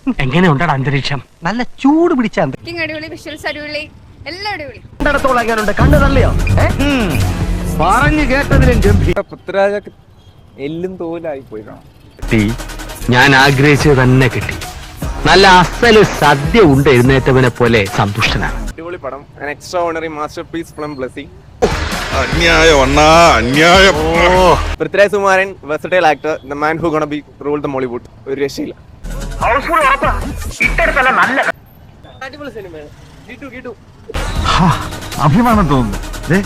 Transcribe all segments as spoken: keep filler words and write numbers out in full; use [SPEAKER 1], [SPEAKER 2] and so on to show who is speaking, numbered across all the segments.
[SPEAKER 1] എങ്ങനെ ഉണ്ടടാ അന്തരീക്ഷം? നല്ല ചൂട് പിടിച്ച
[SPEAKER 2] അടിപൊളി, വിഷ്വൽസ് അടിപൊളി, എല്ലാം അടിപൊളി.
[SPEAKER 1] കണ്ണു തള്ളിയോ? പറഞ്ഞു കേട്ടതിലും
[SPEAKER 3] പൃഥ്വിരാജ് എല്ലും തോലായി പോയി.
[SPEAKER 1] ഞാൻ ആഗ്രഹിച്ചത് തന്നെ കിട്ടി. നല്ല അസല് സദ്യ ഉണ്ട് എഴുന്നേറ്റവനെ പോലെ സന്തുഷ്ടനാണ്.
[SPEAKER 3] അടിപൊളി പടം, extraordinary masterpiece from blessing.
[SPEAKER 4] അന്യായം അണ്ണാ, അന്യായം.
[SPEAKER 3] Prithviraj Sukumaran versatile actor, the man who gonna be rule the Mollywood. ഒരു രക്ഷയില്ല. അടിപൊളി സിനിമയാണ്.
[SPEAKER 5] അഭിമാനം തോന്നുന്നു.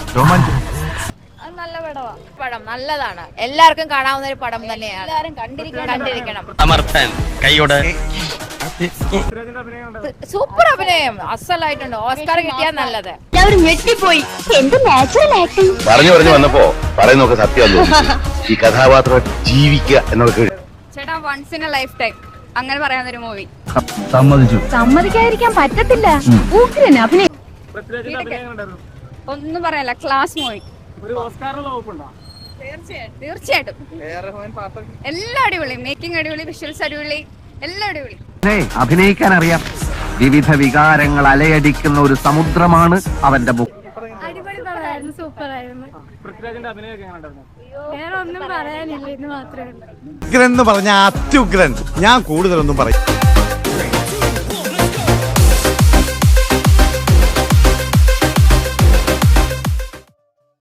[SPEAKER 2] നല്ല പടമാണ്. പടം നല്ലതാണ്, എല്ലാവർക്കും കാണാവുന്ന ഒരു പടം തന്നെയാണ്. എല്ലാവരും കണ്ടിരിക്കണം.
[SPEAKER 1] സമർത്ഥൻ കൈയോട്
[SPEAKER 2] സൂപ്പർ അഭിനയം, അസലായിട്ടുണ്ട്. ഓസ്കാർ കിട്ടിയാൽ നല്ലത്.
[SPEAKER 6] ഞെട്ടിപ്പോയി. എന്ത് നാച്ചുറൽ ആക്ടിങ്.
[SPEAKER 4] പറഞ്ഞു പറഞ്ഞു വന്നപ്പോ പറയുന്നൊക്കെ സത്യം. ഈ കഥാപാത്രം ജീവിക്കുക എന്നൊക്കെ
[SPEAKER 2] ചേട്ടാ, once in a lifetime അങ്ങനെ പറയാവുന്ന ഒരു മൂവി.
[SPEAKER 5] സമ്മതിച്ചു.
[SPEAKER 6] സമ്മതിക്കാതിരിക്കാൻ പറ്റത്തില്ല. ഉഗ്രൻ അഭിനയം.
[SPEAKER 2] ഒന്നും പറയാനില്ല, ക്ലാസ് മൂവി. തീർച്ചയായിട്ടും എല്ലാം അടിപൊളി. മേക്കിംഗ് അടിപൊളി, വിഷ്വൽസ് അടിപൊളി, എല്ലാം അടിപൊളി.
[SPEAKER 1] അഭിനയിക്കാൻ അറിയാം. വിവിധ വികാരങ്ങൾ അലയടിക്കുന്ന ഒരു സമുദ്രമാണ് അവന്റെ ബുക്ക്.
[SPEAKER 6] അടിപൊളി പടമായിരുന്നു, സൂപ്പർ ആയിരുന്നു. വേറെ ഒന്നും പറയാനില്ല, ഇത് മാത്രമേ ഉള്ളൂ.
[SPEAKER 5] ഉഗ്രൻ എന്ന് പറഞ്ഞ അത്യുഗ്രൻ. ഞാൻ കൂടുതലൊന്നും പറയും.